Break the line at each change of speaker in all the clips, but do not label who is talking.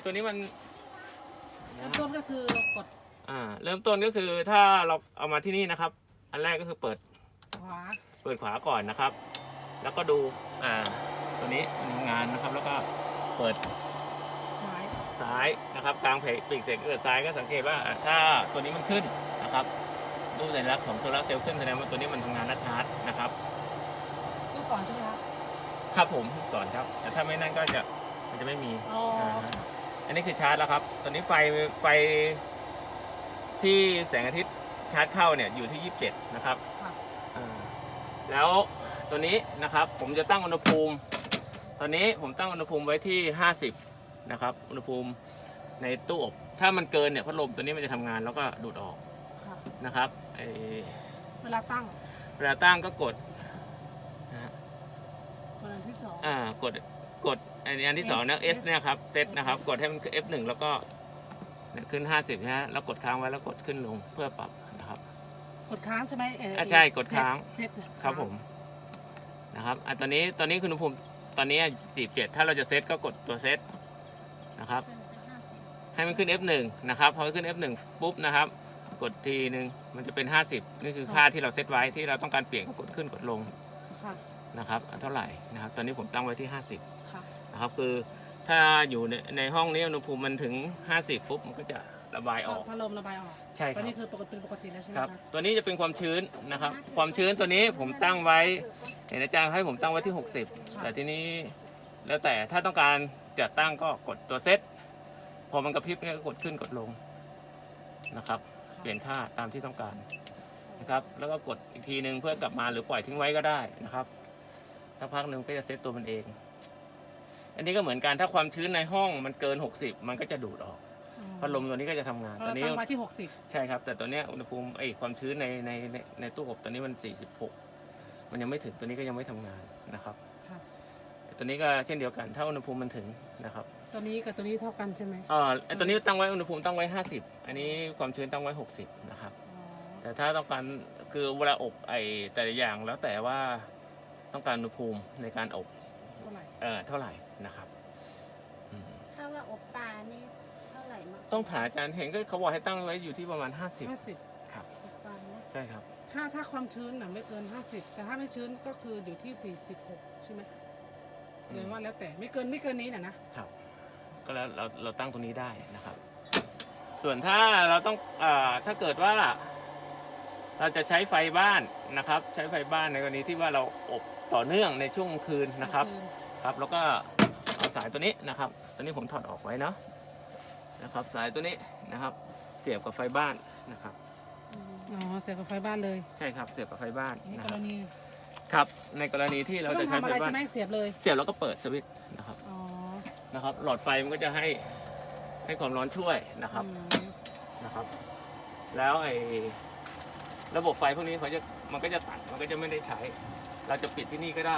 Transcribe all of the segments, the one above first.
ตัวนี้มัน
เริ่มต้นก็คือกด
เริ่มต้นก็คือถ้าเราเอามาที่นี่นะครับ อันแรกก็คือเปิดขวาก่อนนะครับ แล้วก็ดูตัวนี้มันทำงานนะครับ แล้วก็เปิดซ้ายนะครับกลางปีกเสร็จเกิดซ้ายก็สังเกตว่าถ้าตัวนี้มันขึ้นนะครับรูปสัญลักษณ์ของโซลาร์เซลล์ขึ้นแสดงว่าตัวนี้มันทำงานนัดชาร์จนะครับ
ลูกศรใช่ไหมครับ
ครับผมสอนครับแต่ถ้าไม่นั่นก็มันจะไม่มีอันนี้คือชาร์จแล้วครับตอนนี้ไฟที่แสงอาทิตย์ชาร์จเข้าเนี่ยอยู่ที่27นะครับแล้วตัวนี้นะครับผมจะตั้งอุณหภูมิตอนนี้ผมตั้งอุณหภูมิไว้ที่50นะครับอุณหภูมิในตู้อบถ้ามันเกินเนี่ยพัดลมตัวนี้มันจะทำงานแล้วก็ดูดออกนะครับ
เวลา
ตั้งก็กด
อันที่สอง
กดอันที่สองนะ S เนี่ยครับเซตนะครับกดให้มันคือ F1 แล้วก็ขึ้น50นะฮะแล้วกดค้างไว้แล้วกดขึ้นลงเพื่อปรับนะครับ
กดค้างใช่ไหม
ใช่กดค้าง
เซต
ครับผมนะครับตอนนี้อุณหภูมิตอนนี้47ถ้าเราจะเซตก็กดตัวเซตนะครับให้มันขึ้น F1 นะครับพอขึ้น F1 ปุ๊บนะครับกดทีนึงมันจะเป็น50นี่คือค่าที่เราเซตไว้ที่เราต้องการเปลี่ยนก็กดขึ้นกดลงนะครับเท่าไหร่นะครับตอนนี้ผมตั้งไว้ที่50นะครับคือถ้าอยู่ในห้องนี้อุณหภูมิมันถึง50ปุ๊บมันก็จะระบายออก
พัดลมระบายออก
ใช่ครับ
ตอนนี้คือปกติแล้วใช่ไหม
ครับตัวนี้จะเป็นความชื้นนะครับความชื้นตัวนี้ผมตั้งไว้เห็นอาจารย์ให้ผมตั้งไว้ที่60แต่ทีนี้แล้วแต่ถ้าต้องการจะตั้งก็กดตัวเซตพอมันกระพริบเนี่ยก็กดขึ้นกดลงนะครับเปลี่ยนค่าตามที่ต้องการนะครับแล้วก็กดอีกทีนึงเพื่อกลับมาหรือปล่อยทิ้งไว้ก็ได้นะครับสักพักหนึ่งก็จะเซตตัวมันเองอันนี้ก็เหมือนกันถ้าความชื้นในห้องมันเกิน60มันก็จะดูดออกพัดลมตัวนี้ก็จะทำงาน
ตัวนี้ตั้งไว้ที่60
ใช่ครับแต่ตัวนี้อุณหภูมิความชื้นในตู้อบตัวนี้มัน46มันยังไม่ถึงตัวนี้ก็ยังไม่ทำงานนะครับตัวนี้ก็เช่นเดียวกันถ้าอุณหภูมิมันถึงนะครับ
ตัวนี้กับตัวนี้เท่ากันใช่ไหม
ตัวนี้ตั้งไว้อุณหภูมิตั้งไว้50อันนี้ความชื้นตั้งไว้60นะครับแต่ถ้าต้องการคือเวลาอบแต่ละอย่างแล้วแต่ว่าต้องการอุณหภูมิในการอบเท่าไหร่นะครับ
ถ้าว่าอบปลานี่เท่าไหร่
ต้องถามอาจารย์เห็นก็เขาบอกให้ตั้งไว้อยู่ที่ประมาณ50ครับใช่ครับ
ถ้าความชื้นไม่เกิน50แต่ถ้าไม่ชื้นก็คืออยู่ที่46ใช่ไหมหรือว่าแล้วแต่ไม่เกินนี้นะครับ
ก็แล้วเราตั้งตรงนี้ได้นะครับส่วนถ้าเราต้องถ้าเกิดว่าเราจะใช้ไฟบ้านนะครับใช้ไฟบ้านในกรณีที่ว่าเราอบต่อเนื่องในช่วงคืนนะครับแล้วก็เอาสายตัวนี้นะครับตัวนี้ผมถอดออกไว้นะครับสายตัวนี้นะครับเสียบกับไฟบ้านนะครับ
เสียบกับไฟบ้านเลย
ใช่ครับเสียบกับไฟบ้าน
ในกรณี
ครับในกรณีที่เราจะใช้ไฟบ้าน
เสียบเลย
แล้วก็เปิดสวิตช์นะครับหลอดไฟมันก็จะให้ความร้อนช่วยนะครับแล้วระบบไฟพวกนี้มันก็จะตัดมันก็จะไม่ได้ใช้เราจะปิดที่นี่ก็ได้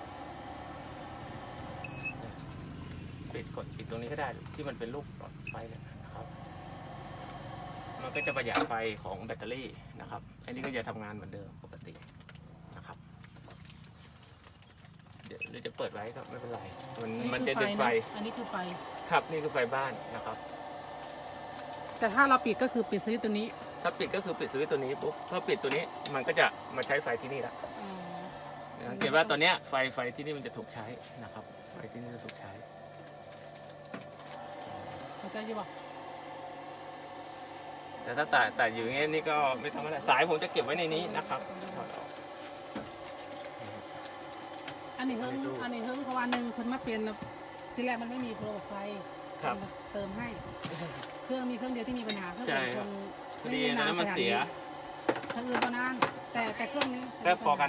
กดปิดตรงนี้ก็ได้ที่มันเป็นลูกหลอดไฟนะครับมันก็จะประหยัดไฟของแบตเตอรี่นะครับอันนี้ก็จะทำงานเหมือนเดิมปกตินะครับเดี๋ยวจะเปิดไว้ก็ไม่เป็นไรมันจะดึงไฟ
อันนี้คือไฟ
ครับนี่คือไฟบ้านนะครับ
แต่ถ้าเราปิดก็คือปิดสวิตช์ตัวนี้
ถ้าปิดก็คือปิดสวิตช์ตัวนี้ปุ๊บถ้าปิดตัวนี้มันก็จะมาใช้ไฟที่นี่ละสังเกตว่าตอนนี้ไฟที่นี่มันจะถูกใช้นะครับไฟที่นี่จะถูกใช้
เข้าใจอยู่ป่ะ
แต่ถ้าแต่อยู่อย่างนี้นี่ก็ไม่ต้องอะไรสายผมจะเก็บไว้ในนี้นะครับ
อันนี้เพิ่งเพราะวันหนึ่งคุณมาเปลี่ยนที่แรกมันไม่มีโปรไฟเติมให้เครื่องมีเครื่องเดียวที่มีปัญหาเครื่องอื่น
พอดีนั้นมันเสีย
เครื่องอื่นก็นานแต่เครื่องนี้
ก็พอกัน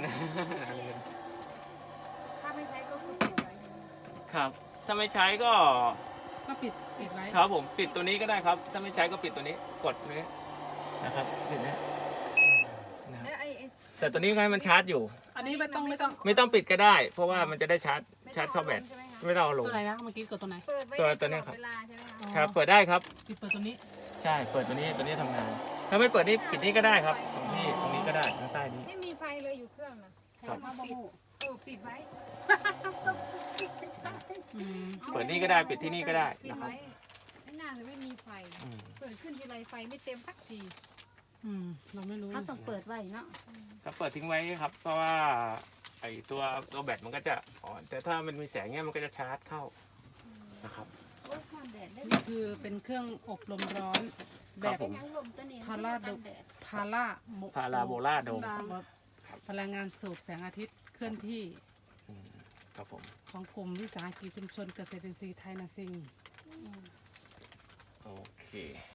ถ้าไม่ใช้ก็คือปิดไว้
ครับถ้าไม่ใช้ก็
ปิดไว้
ครับผมปิดตัวนี้ก็ได้ครับถ้าไม่ใช้ก็ปิดตัวนี้กดนี้นะครับปิดนี้แต่ตัวนี้ให้มันชาร์จอยู่
อันนี้ไม่
ต้องปิดก็ได้เพราะว่ามันจะได้ชาร์จเข้าแบตไม่ต้องเอาลง
ตัวไหนนะเมื่อกี้กดตัวไหน
ตัวนี้ครับครับเปิดได้ครับ
เปิดตัวนี้
ใช่เปิดตัวนี้ทำงานถ้าไม่เปิดนี่ปิดนี่ก็ได้ครับตรงนี้ก็ได้ข้างใต้นี้
ไม่มีไฟเลยอยู่เครื่องนะครับปิดไว้
เปิดนี่ก็ได้ปิดที่นี่ก็ได้นะครับ
เลยไม่มีไฟ
อืม
เปิดขึ้นทีไรไฟไม่เต็มสักที
เราไม่รู้
เขาต้องเปิดไว้เนาะ
ก็เปิดทิ้งไว้ครับ เพราะว่าไอตัวแบตมันก็จะอ่อนแต่ถ้ามันมีแสงเนี่ยมันก็จะชาร์จเข้านะครับ
โอ้ยความแดดได้
นี่คือเป็นเครื่องอบลมร้อนแบ
ครับ บผม
ยังลมตัวนี้
พาราโด
กันแดด
พาราโม
พาราโบลาโดม
พลังงานสูบแสงอาทิตย์เคลื่อนที่
อืมครับผม
ของกลุ่มวิสาหกิจชุมชนเกษตรอินทรีย์ไทยนาซิง
โอเค